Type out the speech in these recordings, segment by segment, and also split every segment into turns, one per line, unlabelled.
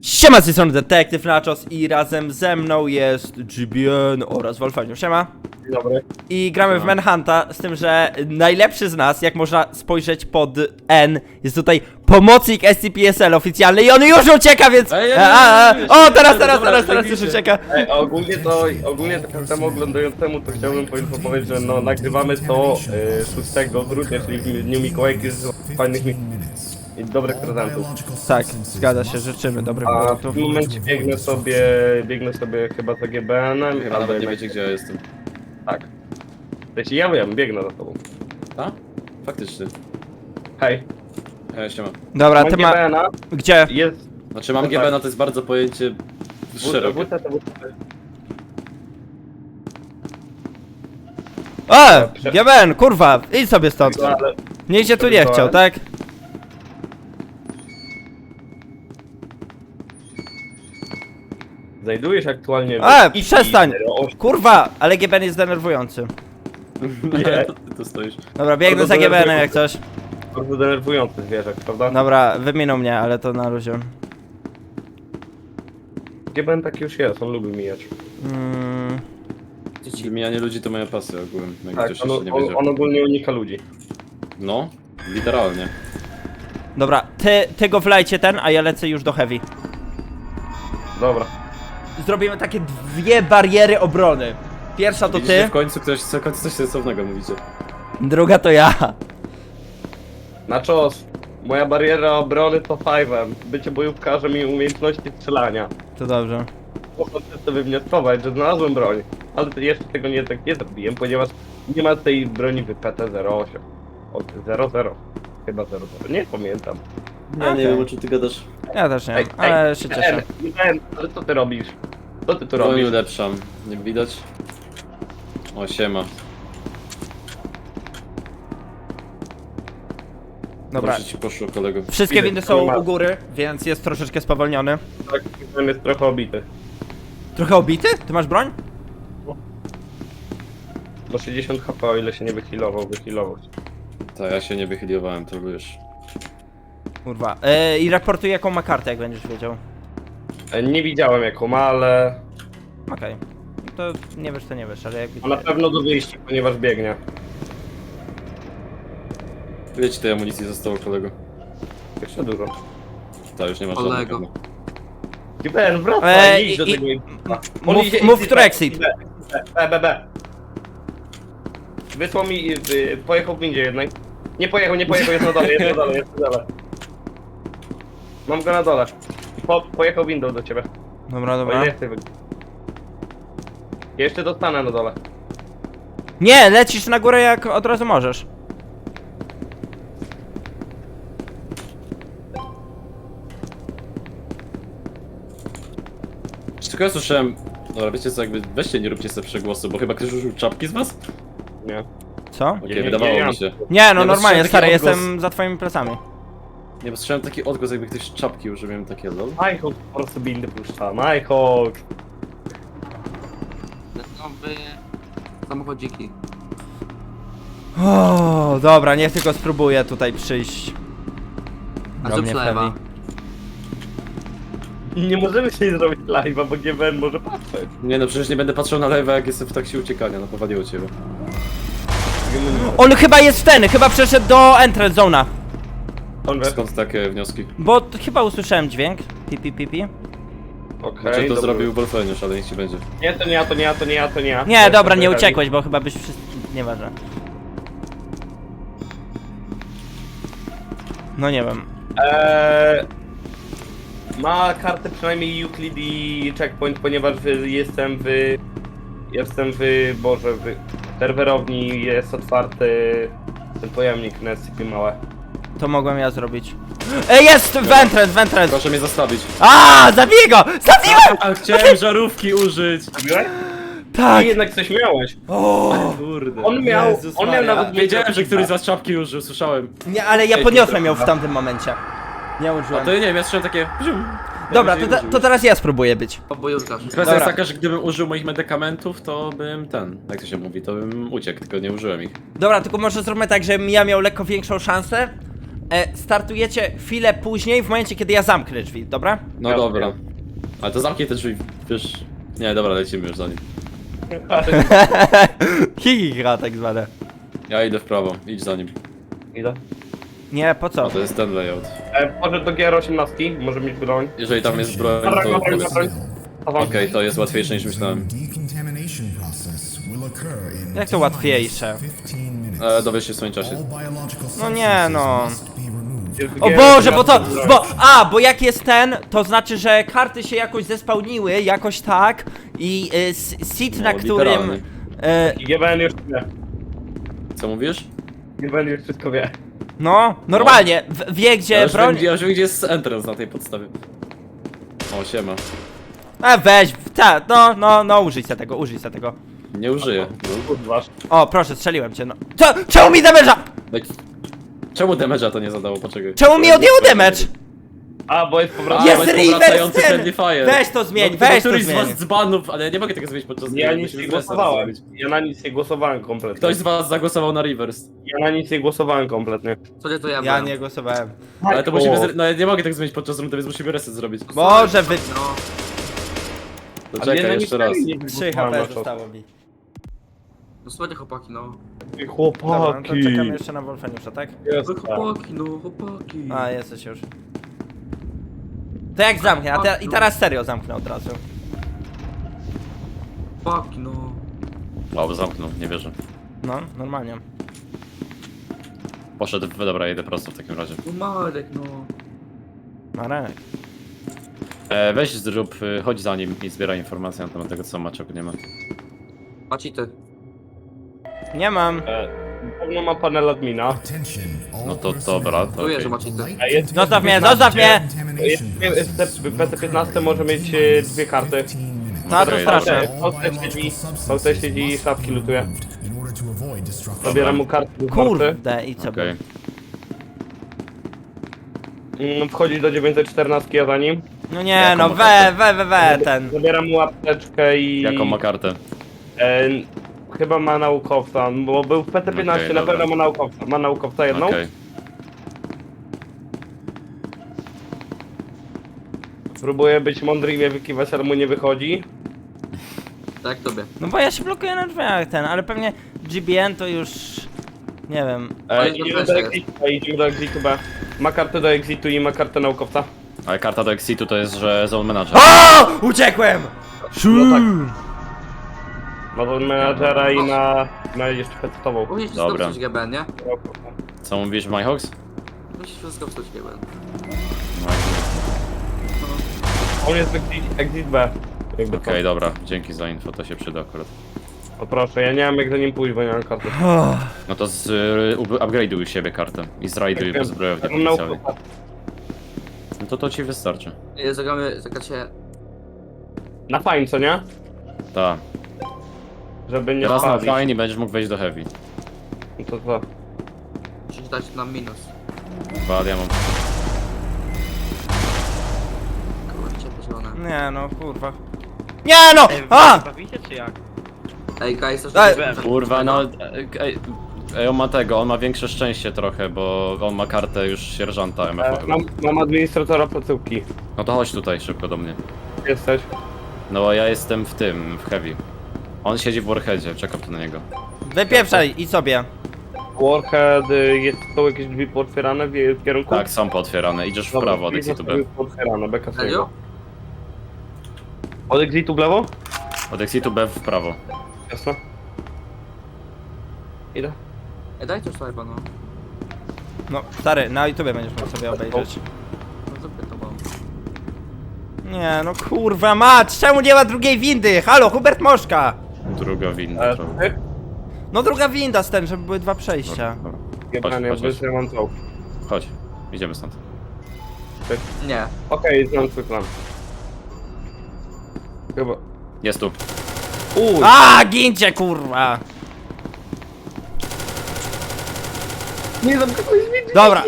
Siema, z tej strony Detektyw Nachos i razem ze mną jest GBN oraz Wolfaniu. Siema.
Dzień dobry.
I gramy w Manhunta, z tym, że najlepszy z nas, jak można spojrzeć pod N, jest tutaj pomocnik SCP-SL oficjalny i on już ucieka, więc... O, teraz już ucieka.
Ej, ogólnie to każdemu oglądającemu to chciałbym poinformować, że no nagrywamy to 6 grudnia, czyli w dniu Mikołajki z fajnych i dobrych prezentów.
Tak, zgadza się, życzymy dobrych
A w
produktów.
tym momencie biegnę sobie chyba za GBN-em.
Chyba nawet nie wiecie, gdzie ja jestem.
Tak. Wiecie, ja wiem, biegnę za tobą.
A? Faktycznie.
Hej,
Siema.
Dobra,
mam
ty ma...
GBN-a,
Gdzie?
jest...
Znaczy mam
Tak.
GB, no to jest bardzo pojęcie szerokie.
WTT.
O! GBN, kurwa, idź sobie stąd.
Ale
Nikt cię tu nie chciał, tak?
znajdujesz aktualnie...
Przestań! Kurwa, ale GBN jest denerwujący.
Nie.
To ty tu stoisz.
Dobra, biegnę za GBN-em jak coś.
Bardzo denerwujący zwierzak, prawda?
Dobra, wyminął mnie, ale to na luzie.
GBN taki już jest, on lubi mijać.
Mijanie ludzi to moja pasja ogółem, jak
Tak,
ktoś jeszcze nie
on
wiedział.
ogólnie unika ludzi.
No, literalnie.
Dobra, ty go wlejcie ten, a ja lecę już do heavy.
Dobra.
Zrobimy takie dwie bariery obrony. Pierwsza to
Widzicie,
ty,
w końcu coś sensownego mówicie.
druga to ja.
Nachos, moja bariera obrony to 5M. Bycie bojówkarzem i umiejętności strzelania.
To dobrze.
Mogę sobie wnioskować, że znalazłem broń. Ale jeszcze tego nie zrobiłem, ponieważ nie ma tej broni w PT-08. Od 00. Chyba 00. Nie pamiętam.
Ja nie wiem, o czym ty gadasz.
Ja też nie, ale się cieszę.
Ale co ty robisz? Co ty tu
Broń
robisz?
ulepszam. Nie widać? O, siema.
Dobra.
Proszę ci poszło, kolego.
Wszystkie
Widzę,
windy są
ma-
u góry, więc jest troszeczkę spowolniony.
Tak, ten jest trochę obity.
Trochę obity? Ty masz broń?
Do 60 HP, o ile się nie wyhealował.
Tak, ja się nie wychyliowałem, to wiesz.
Kurwa. I raportuj jaką ma kartę, jak będziesz wiedział.
Nie widziałem jaką ma, ale...
Okej. To nie wiesz, to nie wiesz, ale jakby...
A na pewno do wyjścia, ponieważ biegnie.
Wiecie, tej amunicji zostało, kolego.
Jeszcze dużo.
Ta już nie ma
Kolego.
żadnego.
GBN, wracaj, idź do
i-
tego
mów, który exit.
B. Wysłał mi, pojechał w windzie jednak. Nie pojechał, jest na dole. Mam go na dole. Pojechał windą do ciebie.
Dobra,
O
dobra.
ile chcę jeszcze dostanę na dole.
Nie, lecisz na górę jak od razu możesz.
Tylko ja słyszałem... Dobra, wiecie co, jakby weźcie, nie róbcie sobie przegłosu, bo chyba ktoś użył czapki z was?
Nie.
Co?
Okej,
Nie,
wydawało
nie,
mi się.
Nie, no
bo
normalnie,
słyszałem
stary,
taki odgłos.
jestem za twoimi plecami.
Nie, bo słyszałem taki odgłos, jakby ktoś czapki użył, miałem takie lol.
Nighthawk po prostu windy puszcza. Nighthawk.
Nowy samochodziki.
O, dobra, niech tylko spróbuję tutaj przyjść.
A
do
co
mnie w
przelewa?
heavy.
Nie możemy się zrobić live'a, bo GBN może patrzeć.
Nie no, przecież nie będę patrzył na live'a, jak jestem w trakcie uciekania, no powaliło ciebie.
On chyba jest ten, chyba przeszedł do entrance zona.
On wie.
Skąd takie wnioski?
Bo chyba usłyszałem dźwięk. Pipi.
Okej,
Znaczy to
dobra.
zrobił Wolfeniusz, ale niech ci będzie.
Nie, to nie ja.
Nie, dobra, nie uciekłeś, bo chyba byś wszyscy... Nieważne. No nie wiem.
Ma kartę przynajmniej Euclid i Checkpoint, ponieważ jestem w serwerowni, jest otwarty ten pojemnik na SCP małe.
To mogłem ja zrobić. Jest! W entrance!
Proszę mnie zostawić.
Zabiję go! Zabiłem!
A chciałem żarówki użyć!
Zrobiłeś?
Tak!
I jednak coś miałeś.
O!
Kurde.
On miał
Maria.
nawet...
Wiedziałem, że któryś z was czapki użył, słyszałem.
Nie, ale ja
Ej,
podniosłem
to-
ją w tamtym momencie. Nie
A
użyłem.
to nie wiem, ja słyszałem takie...
Dobra, to teraz ja spróbuję być.
Bojówkarz.
Kwestia
Dobra.
jest taka, że gdybym użył moich medykamentów, to bym jak to się mówi, to bym uciekł, tylko nie użyłem ich.
Dobra, tylko może zróbmy tak, żebym ja miał lekko większą szansę. startujecie chwilę później, w momencie kiedy ja zamknę drzwi, dobra?
No
Ja
dobra.
wiem.
Ale to zamknij te drzwi, wiesz... Nie, dobra, lecimy już za nim.
Hihiha tak zwane.
Ja idę w prawo, idź za nim.
Idę.
Nie, po co?
A to jest ten layout.
Może do GR18, może mieć broń.
Jeżeli tam jest broń,
Dobra,
to...
dobra, dobra.
Okej, to jest łatwiejsze niż myślałem.
Jak to łatwiejsze?
Dowiesz się w swoim czasie.
No nie, no.
Jest
O
GR18
Boże, bo to,
broń.
bo jak jest ten, to znaczy, że karty się jakoś zespałniły, jakoś tak i seat, na
No,
którym...
literalnie.
I GBN już wie.
Co mówisz?
GBN już wszystko wie.
No, normalnie, wie gdzie
Ja już
broń...
wiem, gdzie jest entrance na tej podstawie. O, siema.
Weź, no, użyj se tego.
Nie użyję.
Kurwa.
O, proszę, strzeliłem cię, no. Czemu mi damage'a?
Daj- Czemu damage'a to nie zadało? Poczekaj.
Czemu mi odjęło damage?
A, bo jest powrotny.
Jest
bo jest
reverse
powracający
ten!
friendly fire.
Weź to zmień,
No,
weź to
któryś z
zmień.
was dzbanów, ale ja nie mogę tego zmienić podczas gry,
Ja nic
musimy
nie
z resem
głosowałem.
zrobić.
Ja na nic nie głosowałem kompletnie.
Ktoś z was zagłosował na reverse.
Ja na nic nie głosowałem kompletnie.
Co nie to ja
Ja
byłem.
nie głosowałem.
Ale to musimy, no ja nie mogę tak zmienić podczas rundy, więc musimy reset zrobić.
Może wy...
No,
To
Ale ja
czekaj
na
jeszcze
nic
raz.
nie
3
głosowałem na
HP
to.
zostało mi.
no słuchajcie chłopaki, no.
Ej,
Dobra, no to
Chłopaki.
czekamy jeszcze na Wolfeniusza, tak?
Jest,
Wy
tak.
chłopaki, no chłopaki.
A, jesteś już. To jak zamknę, i teraz serio zamknę od razu.
Chłopaki, no.
O, zamknął, nie wierzę.
No, normalnie.
Poszedł, dobra, jedę prosto w takim razie.
No Marek, no.
Marek.
Weź zrób, chodź za nim i zbieraj informacje na temat tego, co ma, czego nie ma.
Macie ty.
Nie mam.
Pewno ma panel admina.
No to dobra, to
Czuję,
okej.
że macie ty.
A jest,
Zostaw mnie, zostaw mnie!
PT15 może mieć dwie karty.
No to
Okej,
straszne.
VT siedzi i szafki lutuje. Zabieram mu kartę. do karty.
Kurde, i co?
Okej.
Wchodzi do 914 ja za nim.
No nie,
Jaką
no
ma kartę?
ten.
Zabieram mu apteczkę i...
Jaką ma kartę?
E, chyba ma naukowca, bo był w PT15,
Okej,
na
dobra.
pewno ma naukowca. Ma naukowca jedną.
Okej.
Próbuję być mądry i mnie wykiwać, ale mu nie wychodzi.
Tak tobie.
No bo ja się blokuję na drzwiach ten, ale pewnie GBN to już... Nie wiem.
Ale to
Idziemy
też
do
jest.
exitu, idziemy do exitu B. Ma kartę do exitu i ma kartę naukowca.
Ale karta do exitu to jest, że zone manager.
O! Uciekłem!
No tak. Ma do menadżera i na jeszcze petową.
Musisz wszystko
Dobra.
psuć GBN, nie?
Co mówisz, MyHawks?
Musisz wszystko psuć GBN.
On jest exit B. Jakby
Okej,
to.
dobra, dzięki za info, to się przyda akurat.
O proszę, ja nie mam jak za nim pójść, bo nie mam karty.
No to upgrade'uj siebie kartę i zrajduj po zbrojowni
Ja mam
potencjalnej.
naukowca.
No to ci wystarczy.
Zagramy, zagracie...
Na fajnie, co nie?
Tak.
Żeby nie
Raz na
spalić.
fajnie będziesz mógł wejść do heavy.
No to co?
Musisz dać nam minus.
Wal, ja mam.
Kurczę, pozione.
Nie no, kurwa. Nie no! A!
Bawicie czy jak?
Ej, guys, też
Ej,
Kurwa, no. Ej, on ma tego, on ma większe szczęście trochę, bo on ma kartę już sierżanta MF.
Mam administratora placówki.
No to chodź tutaj szybko do mnie.
Jesteś?
No bo ja jestem w tym, w heavy. On siedzi w Warheadzie, czekam tu na niego.
Wypieprzaj, idź sobie.
Warhead, są jakieś drzwi pootwierane w kierunku?
Tak, są pootwierane, idziesz w
Dobra,
prawo od
drzwi
exitu B.
zostały pootwierane, beka z
Serio?
niego. Od exitu w lewo?
Od exitu B w prawo.
Jasno. Idę.
Ej, daj coś chyba, no.
No, stary, na YouTubie będziesz mógł sobie obejrzeć.
No zapytowałem.
Nie no, kurwa mać, czemu nie ma drugiej windy? Halo, Hubert Moszka!
Druga winda. to-
Ty?
No druga winda z ten, żeby były dwa przejścia.
Dobra.
Jebany,
chodź, chodź.
ja mam czołg.
Chodź, idziemy stąd.
Nie.
Okej, znam twój plan. Chyba.
Jest tu.
A, gincie, kurwa!
Nie zamknąłeś mi.
Dobra,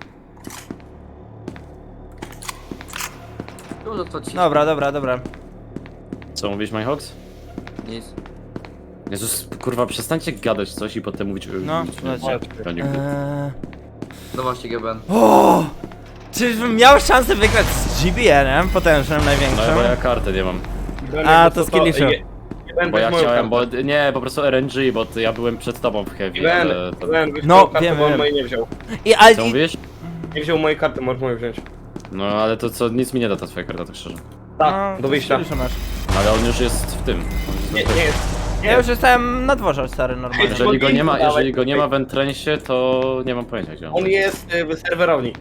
Dużo to ci.
dobra.
Co mówisz, MyHawks?
Nic.
Jezus, kurwa, przestańcie gadać coś i potem mówić...
No,
mówić,
lecie.
ja nie-
No właśnie, GBN.
O! Czyżbym miał szansę wygrać z GBN-em, potężnym, największym?
No bo ja kartę nie mam.
A, to skilliszu.
Bo ja chciałem, bo nie, po prostu RNG, bo ja byłem przed tobą w heavy, ale to...
No,
kartę,
wiem,
bo on
wiem.
mojej nie wziął.
Co mówisz?
Nie wziął mojej karty, możesz moją wziąć.
No ale to co, nic mi nie da ta twoja karta, tak szczerze.
Tak, do wyjścia.
Masz.
Ale on już jest w tym. On
Nie,
jest
nie jest.
Ja już jestem na dworze, stary, normalnie.
Jeżeli go nie ma w entrensie, to nie mam pojęcia gdzie on.
On jest w serwerowni.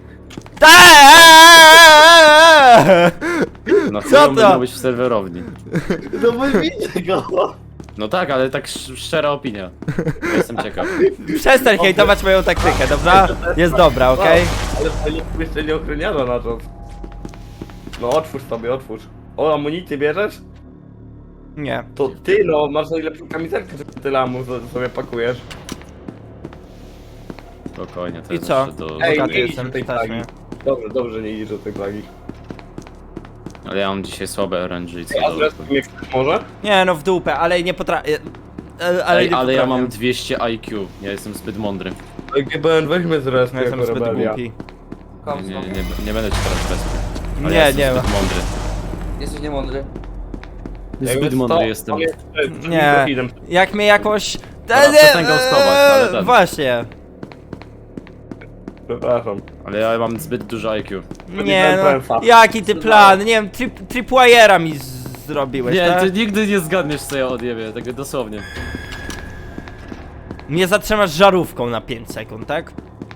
Na
Co
co
to?
to? Być w serwerowni.
No bo widzę go.
No tak, ale tak szczera opinia. Ja jestem ciekaw.
Przestań hejtować moją taktykę, dobra? Jest dobra, okej?
Ale to nie jeszcze nie ochroniarza na czas. No otwórz sobie, otwórz. O, amunicję bierzesz?
Nie.
To ty no, masz najlepszą kamizelkę, że tyle amu sobie pakujesz.
Spokojnie, to
I
jest
co?
jeszcze do...
Ej,
Bogaty
nie idź
jestem,
do tej
stać
plagi.
mnie.
Dobrze, dobrze, nie idziesz do tej plagi.
Ale ja mam dzisiaj słabe RNG, co
A
do...
zresztą mnie chcesz może?
Nie, no w dupę, ale nie potrafię.
Ej,
nie
ale ja mam
potrafię.
200 IQ, ja jestem zbyt mądry.
Oj, GBN, weźmy z resty
Ja jestem
jako
zbyt
rebelia.
głupi.
Nie będę ci teraz respił. Ale
Nie,
ja jestem
nie
zbyt mądry.
Jesteś niemądry.
Zbyt mądry jestem.
Nie. Jak mnie jakoś...
przestań ghostować, ale ten.
Właśnie.
Przepraszam.
Ale ja mam zbyt dużo IQ.
Nie no, jaki ty plan? Nie wiem, tripwire'a mi zrobiłeś,
Nie,
tak?
ty nigdy nie zgadniesz co ja odjebię, tak dosłownie.
Mnie zatrzymasz żarówką na 5 sekund, tak?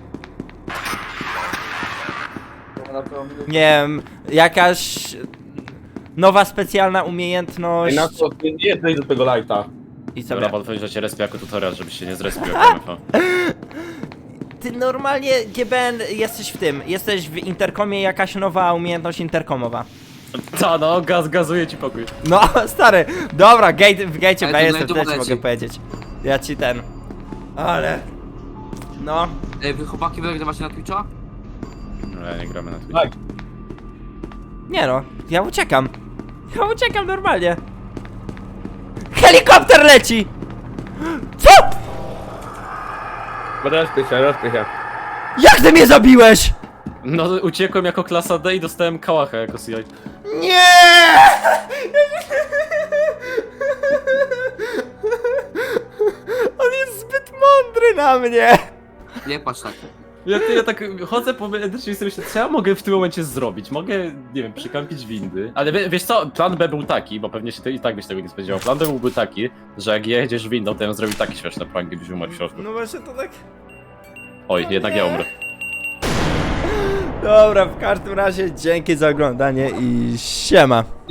Nie wiem, jakaś... Nowa specjalna umiejętność...
Ej, na co, ty nie jesteś do tego lighta.
I
Dobra,
sobie...
podpowiedź, że cię respię jako tutorial, żebyś się nie zrespił jak MFA.
Ty normalnie, GBN, jesteś w tym. Jesteś w interkomie, jakaś nowa umiejętność interkomowa.
Co no, gazuje ci pokój.
No, stary, dobra, w gate'cie
Ale
B
to
jestem,
na
tyle ci
YouTube
mogę
leci.
powiedzieć. Ja ci ten... Ale... No...
Ej, wy chłopaki, wy nagrywacie na Twitcha?
No ja nie gramy na Twitch.
Tak.
Nie no, ja uciekam. Ja uciekam normalnie. Helikopter leci! Co?
Rozpychaj się, rozpychaj się.
Jak ty mnie zabiłeś?
No uciekłem jako klasa D i dostałem kałacha jako CI.
Nie! On jest zbyt mądry na mnie.
Nie patrz tak.
Ja tak chodzę po medycznie i sobie myślę, co ja mogę w tym momencie zrobić? Mogę, nie wiem, przykampić windy. Ale wiesz co, plan B był taki, bo pewnie się to i tak byś tego nie spodziewał. Plan B byłby taki, że jak jedziesz windą, to ja bym zrobił taki śmieszny prank, gdybyś umarł w środku.
No właśnie to tak...
Oj, jednak ja umrę.
Dobra, w każdym razie dzięki za oglądanie i siema.